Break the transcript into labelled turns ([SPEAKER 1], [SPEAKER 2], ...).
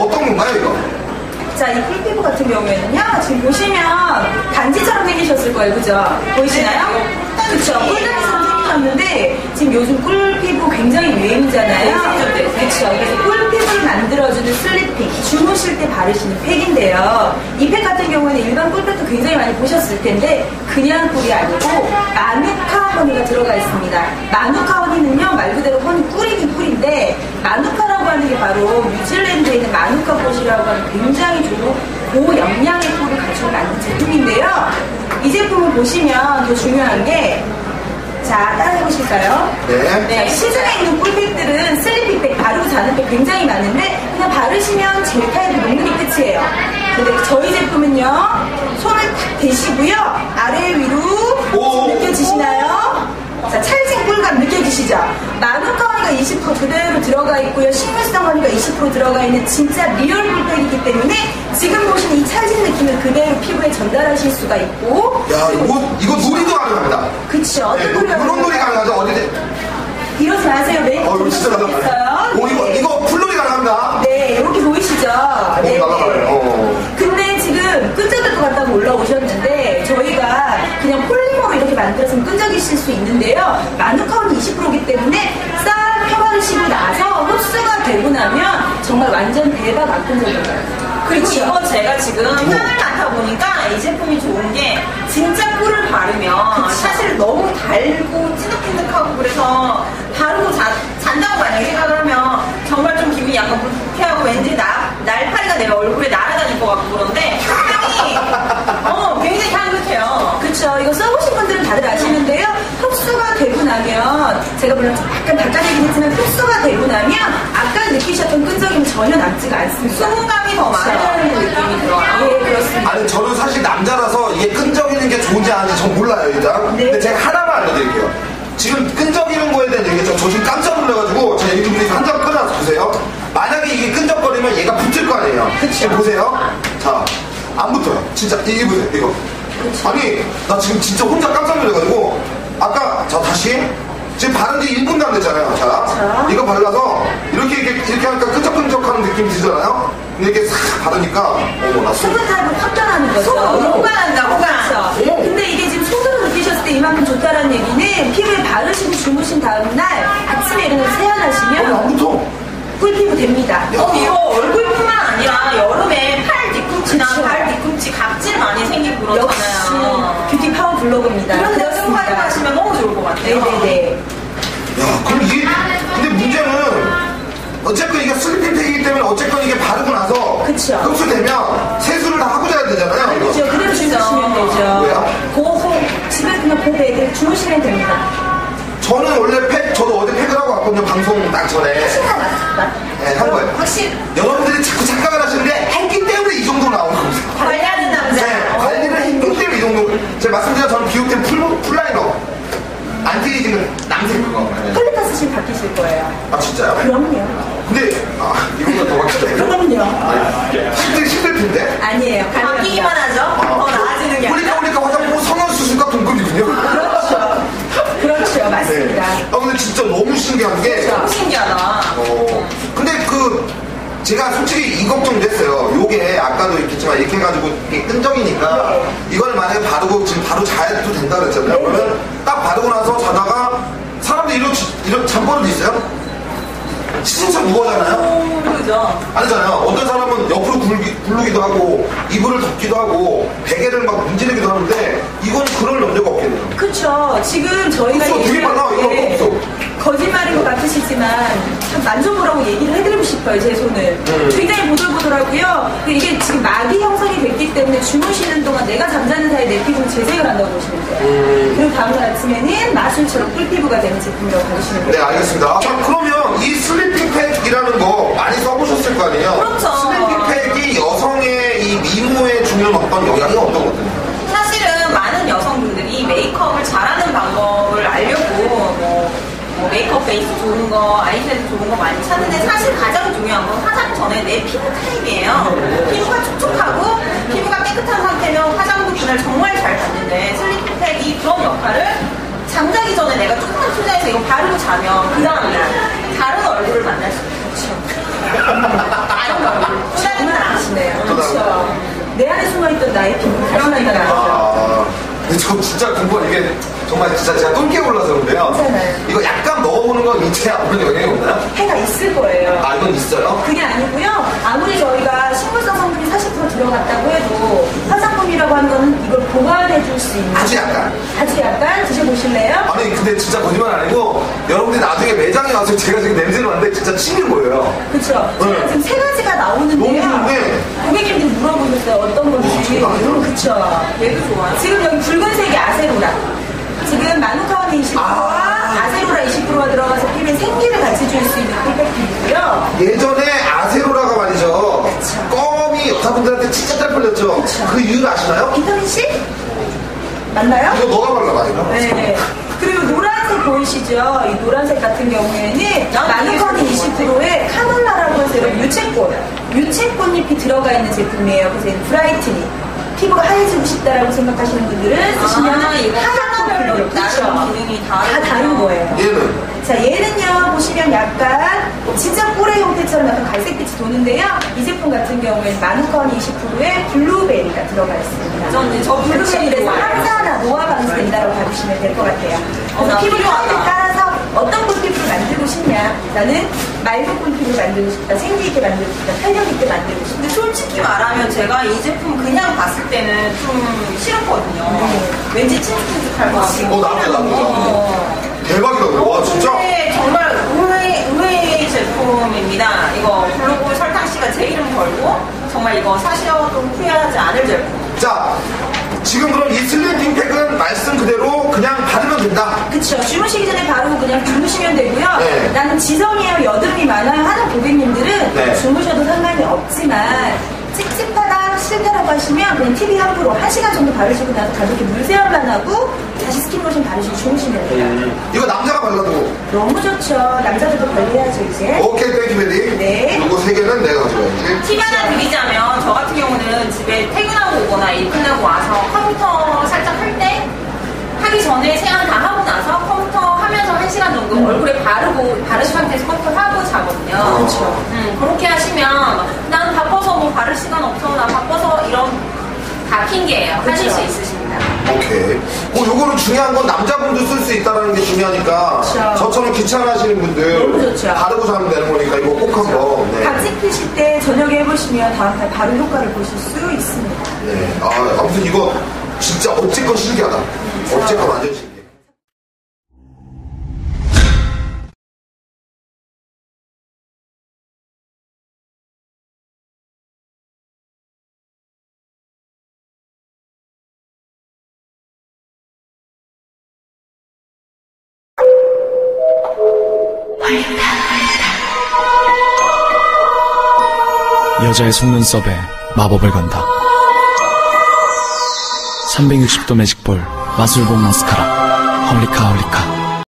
[SPEAKER 1] 어떤 건가요, 이거?
[SPEAKER 2] 자, 이 꿀피부 같은 경우에는요, 지금 보시면 단지처럼 생기셨을 거예요, 그죠? 보이시나요? 그쵸. 꿀단지처럼 생기셨는데, 지금 요즘 꿀피부 굉장히 유행이잖아요. 그쵸. 그래서 꿀피부를 만들어주는 슬리핑, 주무실 때 바르시는 팩인데요. 이 팩 같은 경우에는 일반 꿀팩도 굉장히 많이 보셨을 텐데, 그냥 꿀이 아니고, 마누카 허니가 들어가 있습니다. 마누카 허니는요, 말 그대로 허니 꿀이긴 꿀인데, 마누카라고 하는 게 바로 뉴질랜드에 있는 마누카 꽃이라고 하는 굉장히 좋은 고영양의 꿀을 갖춰 만든 제품인데요. 이 제품을 보시면 더 중요한 게, 자, 따라해보실까요?
[SPEAKER 1] 네.
[SPEAKER 2] 시중에 있는 꿀팩들은 슬리핑팩, 바르고 자는 팩 굉장히 많은데 그냥 바르시면 젤 타입이 녹는이 끝이에요. 근데 저희 제품은요, 손을 탁 대시고요, 아래 위로 느껴지시나요? 자, 찰진 꿀감 느껴지시죠? 마누카 허니가 20% 그대로 들어가 있고요, 식물성 허니가 20% 들어가 있는 진짜 리얼 꿀팩이기 때문에 지금 보시는 이 찰진 느낌을 그대로 피부에 전달하실 수가 있고.
[SPEAKER 1] 야, 이거 놀이도 가능합니다.
[SPEAKER 2] 그쵸. 어떤 놀이
[SPEAKER 1] 그런 놀이 가능하죠? 어디든.
[SPEAKER 2] 이러지 마세요. 메이크업
[SPEAKER 1] 이거 진짜 가능하다. 이거 풀놀이 가능합니다.
[SPEAKER 2] 네, 이렇게 보이시죠? 네. 근데 지금 끈적일 것 같다고 올라오셨는데 저희가 그냥 폴리머로 이렇게 만들어서 끈적이실 수 있는데요. 마누카원이 20%이기 때문에 싹 펴바르시고 나서 흡수가 되고 나면 정말 완전 대박 안 끈적여요.
[SPEAKER 3] 그리고 이거 제가 지금 향을 맡아보니까 이 제품이 좋은 게 진짜 꿀을 바르면 사실 너무 달고 찐득찐득하고 그래서 바르고 잔다고 만약에 생각을 하면 정말 좀 기분이 약간 불쾌하고 왠지 날파리가 내 얼굴에 날아다닐 것 같고 그런데 향이 굉장히 향긋해요.
[SPEAKER 2] 그쵸. 이거 써보신 분들은 다들 아시는데요. 흡수가 되고 나면 제가 물론 약간 닦아내긴 했지만 흡수가 되고 나면 아까 느끼셨던 끈적임이 전혀 남지가 않습니다.
[SPEAKER 3] 수분감이 더 많은 느낌이 들어요.
[SPEAKER 2] 네, 그렇습니다.
[SPEAKER 1] 아니, 저는 사실 남자라서 이게 끈적이는 게 좋은지 아닌지 전 몰라요, 일단.
[SPEAKER 2] 네.
[SPEAKER 1] 근데 제가 하나만 알려드릴게요. 지금 끈적이는 거에 대한 얘기죠. 저 지금 깜짝 놀라가지고 제가 유튜브에서 한 장 끊어서 보세요. 만약에 이게 끈적거리면 얘가 붙을 거 아니에요. 지금 보세요. 자, 안 붙어요. 진짜 이게 보세요, 이거. 그쵸. 아니, 나 지금 진짜 혼자 깜짝 놀라가지고 아까 다시 지금 바른 지 1분도 안 됐잖아요. 자, 이거 발라서 이렇게 하니까 끈적끈적하는 느낌이 들잖아요. 근데 이렇게 싹 바르니까 나
[SPEAKER 2] 수분 타입으로 확 변하는 거죠.
[SPEAKER 3] 호감한다, 호감.
[SPEAKER 2] 그렇죠. 근데 이게 지금 손으로 느끼셨을 때 이만큼 좋다라는 얘기는 피부에 바르시고 주무신 다음날 아침에 일어나서 세안하시면
[SPEAKER 1] 안 붙어.
[SPEAKER 2] 꿀피부 됩니다.
[SPEAKER 3] 이거 얼굴뿐만 아니라 여름에 팔 뒤꿈치나 발 뒤꿈치 각질 많이 생기고 그렇잖아요.
[SPEAKER 2] 역시 뷰티 파워 블로그입니다.
[SPEAKER 3] 그런데 좀 활용하시면 너무 좋을 것 같아요.
[SPEAKER 2] 네네네.
[SPEAKER 1] 야, 그럼 이게 근데 문제는 어쨌건 이게 슬리핑팩이기 때문에 어쨌건 이게 바르고 나서
[SPEAKER 2] 그쵸.
[SPEAKER 1] 흡수되면 세수를 다 하고 자야 되잖아요.
[SPEAKER 2] 그렇죠. 그대로 주무시면 되죠.
[SPEAKER 1] 왜요?
[SPEAKER 2] 집에 그냥 고베드 주무시면 됩니다.
[SPEAKER 1] 저는 원래 저도 어제 팩을 하고 왔거든요. 방송 딱 전에. 네, 한 거예요.
[SPEAKER 3] 확실히.
[SPEAKER 1] 여러분들이 자꾸 착각을 하시는데 했기 때문에 이 정도 나오는 겁니다.
[SPEAKER 3] 관리하는 남자.
[SPEAKER 1] 네, 관리를 했기 때문에 이 정도. 제가 말씀드린 저는 비오템 풀라이너. 안티에이징은 남색 그거.
[SPEAKER 2] 폴리타 쓰시면 바뀌실 거예요.
[SPEAKER 1] 아, 진짜요?
[SPEAKER 2] 그럼요.
[SPEAKER 1] 근데, 이거보다 더 바뀌죠.
[SPEAKER 2] 그럼요.
[SPEAKER 1] 힘들 텐데?
[SPEAKER 2] 아니에요.
[SPEAKER 3] 바뀌기만 하죠. 더 나아지는 게 아니라.
[SPEAKER 1] 보니까 화장품 성형수술과 동급이군요.
[SPEAKER 2] 그렇죠. 맞습니다.
[SPEAKER 1] 네. 근데 진짜 너무 신기한 게.
[SPEAKER 3] 너무 신기하다.
[SPEAKER 1] 근데 제가 솔직히 이 걱정도 했어요. 요게 아까도 있겠지만 이렇게 해가지고 이게 끈적이니까 이걸 만약에 바르고 지금 바로 자야도 된다 그랬잖아요. 그러면 딱 바르고 나서 자다가 사람들이 이런 잠버릇도 있어요? 진짜 무거워잖아요?
[SPEAKER 3] 그죠.
[SPEAKER 1] 아니잖아요. 어떤 사람은 옆으로 굴르기도 하고 이불을 덮기도 하고 베개를 막 문지르기도 하는데 이건 그럴 염려가 없겠네요.
[SPEAKER 2] 그쵸. 지금 저희가
[SPEAKER 1] 되게 많아. 이거 없어.
[SPEAKER 2] 거짓말인 것 같으시지만 참 만져보라고 얘기를 해드리고 싶어요. 제 손을. 굉장히 보들보들하고요. 이게 지금 막이 형성이 됐기 때문에 주무시는 동안 내가 잠자는 사이에 내 피부를 재생을 한다고 보시면 돼요. 그리고 다음날 아침에는 마술처럼 꿀피부가 되는 제품이라고 봐주시면 돼요.
[SPEAKER 1] 네, 알겠습니다. 자, 그러면 이 슬리핑팩이라는 거 많이 써보셨을 거 아니에요?
[SPEAKER 3] 그렇죠.
[SPEAKER 1] 슬리핑팩이 여성의 이 미모에 주는 어떤 영향이 어떤 것들이에요?
[SPEAKER 3] 사실은 많은 여성분들이 메이크업을 잘하는 방법을 알려고 메이크업 베이스 좋은 거, 아이섀도 좋은 거 많이 찾는데 사실 가장 중요한 건 화장 전에 내 피부 타입이에요. 피부가 촉촉하고 피부가 깨끗한 상태면 화장도 그날 정말 잘 받는데 슬리핑팩이 그런 역할을 잠자기 전에 내가 조금만 투자해서 이거 바르고 자면 그 다음날 다른 얼굴을 만날 수 있죠. 다른 얼굴.
[SPEAKER 1] 저 진짜 궁금한 이게 정말 진짜 제가 똥개 올라서 그런데요.
[SPEAKER 2] 괜찮아요.
[SPEAKER 1] 이거 약간 먹어보는 건 인체에 아무런 영향이 없나요?
[SPEAKER 2] 해가 있을 거예요.
[SPEAKER 1] 아, 이건 있어요?
[SPEAKER 2] 그게 아니고요. 아무리 저희가 식물성 성분이 40% 들어갔다고 해도 화장품이라고 하는 거는 이걸 보완해 줄 수 있는
[SPEAKER 1] 아주 약간.
[SPEAKER 2] 아주 약간 드셔보실래요?
[SPEAKER 1] 아니, 근데 진짜 거짓말 아니고 여러분들이 나중에 매장에 와서 제가 지금 냄새를 맡는데 진짜 튀는 거예요.
[SPEAKER 2] 그렇죠.
[SPEAKER 1] 네.
[SPEAKER 2] 지금 세 가지가 나오는데요.
[SPEAKER 1] 너무 좋은데.
[SPEAKER 2] 고객님들 물어보셨어요. 어떤 건지. 그렇죠.
[SPEAKER 3] 얘도 좋아요.
[SPEAKER 2] 지금 여기 붉은색이 아세로라. 지금 마누카원 20%와 아세로라 20%가 들어가서 피부에 생기를 같이 줄 수 있는 꿀백이고요.
[SPEAKER 1] 예전에 아세로라가 말이죠. 껌이 여자분들한테 진짜 잘 팔렸죠. 그 이유를 아시나요?
[SPEAKER 2] 비타민 C? 맞나요?
[SPEAKER 1] 이거 너가 발라, 아닌가?
[SPEAKER 2] 네. 그리고 노란색 보이시죠? 이 노란색 같은 경우에는 마누카원 20%에 카놀라라고 해서 이런 유채꽃잎이 들어가 있는 제품이에요. 그래서 이 브라이트닝. 피부가 하얘지고 싶다라고 생각하시는 분들은 쓰시면
[SPEAKER 3] 이거
[SPEAKER 2] 하얀
[SPEAKER 3] 하나별로 다른 기능이
[SPEAKER 2] 다 다른 거예요.
[SPEAKER 1] 얘는
[SPEAKER 2] 자, 얘는요, 보시면 약간 진짜 꿀의 형태처럼 약간 갈색빛이 도는데요. 이 제품 같은 경우에는 마누카원 20%에 블루베리가 들어가 있습니다.
[SPEAKER 3] 저
[SPEAKER 2] 블루베리에서 항산화, 노화 방지된다고 봐주시면 될 것 같아요. 그래서 피부
[SPEAKER 3] 필요하다.
[SPEAKER 2] 타입에 따라서 어떤 꿀피부를 만들고 싶냐. 나는 맑은 꿀피부를 만들고 싶다, 생기 있게 만들고 싶다, 탄력 있게 만들고 싶다.
[SPEAKER 3] 근데 솔직히 말하면 제가 이 제품 그냥 봤을 때는 좀 싫었거든요. 왠지 찐득찐득할 것 같고.
[SPEAKER 1] 나도. 대박이다. 와, 진짜?
[SPEAKER 3] 근데 정말 의외의 제품입니다. 이거 블루볼 설탕씨가 제 이름 걸고 정말 이거 사셔도 후회하지 않을 제품.
[SPEAKER 1] 자, 지금 그럼 이 슬리핑 팩은 말씀 그대로 그냥 바르면 된다.
[SPEAKER 2] 그쵸. 주무시기 전에 바르고 그냥 주무시면 되고요.
[SPEAKER 1] 네.
[SPEAKER 2] 나는 지성이에요, 여드름이 많아요 하는 고객님들은
[SPEAKER 1] 네.
[SPEAKER 2] 주무셔도 상관이 없지만 찝찝하다, 싫다라고 하시면 그냥 TV 함부로 1시간 정도 바르시고 나서 가볍게 물세안만 하고 다시 스킨로션 바르시고 주무시면 돼요.
[SPEAKER 1] 이거 남자가 발라도.
[SPEAKER 2] 너무 좋죠. 남자들도 관리해야죠, 이제.
[SPEAKER 1] 오케이, 땡큐 베리.
[SPEAKER 2] 네.
[SPEAKER 1] 요거 3개는 내가 가져가야지.
[SPEAKER 3] 팁 하나 드리자면 저 같은 경우는 집에 퇴근하고 오거나 일 끝나고 와서 컴퓨터 살짝 할 때 하기 전에 세안 다 하고 나서 컴퓨터 하면서 1시간 정도 얼굴에 바르신 상태에서 컴퓨터 하고 자거든요.
[SPEAKER 2] 그렇죠.
[SPEAKER 3] 그렇게 하시면 난 바빠서 뭐 바를 시간 없어, 나 바빠서 이런 다 핑계예요. 하실 수 있으십니다.
[SPEAKER 1] 오케이. 요거는 중요한 건 남자분도 쓸 수 있다는 게 중요하니까
[SPEAKER 2] 그렇죠.
[SPEAKER 1] 저처럼 귀찮아하시는 분들
[SPEAKER 2] 너무 좋죠.
[SPEAKER 1] 바르고 자면 되는 거니까 이거 꼭 한번. 네.
[SPEAKER 2] 각질 피실 때 저녁에 해보시면 다음날 바로 효과를 보실 수 있습니다.
[SPEAKER 1] 네. 아무튼 이거 진짜 어쨌건 신기하다. 어쨌건 완전 신기해.
[SPEAKER 4] 여자의 속눈썹에 마법을 건다. 360도 매직볼 마술봉 마스카라 헐리카 헐리카.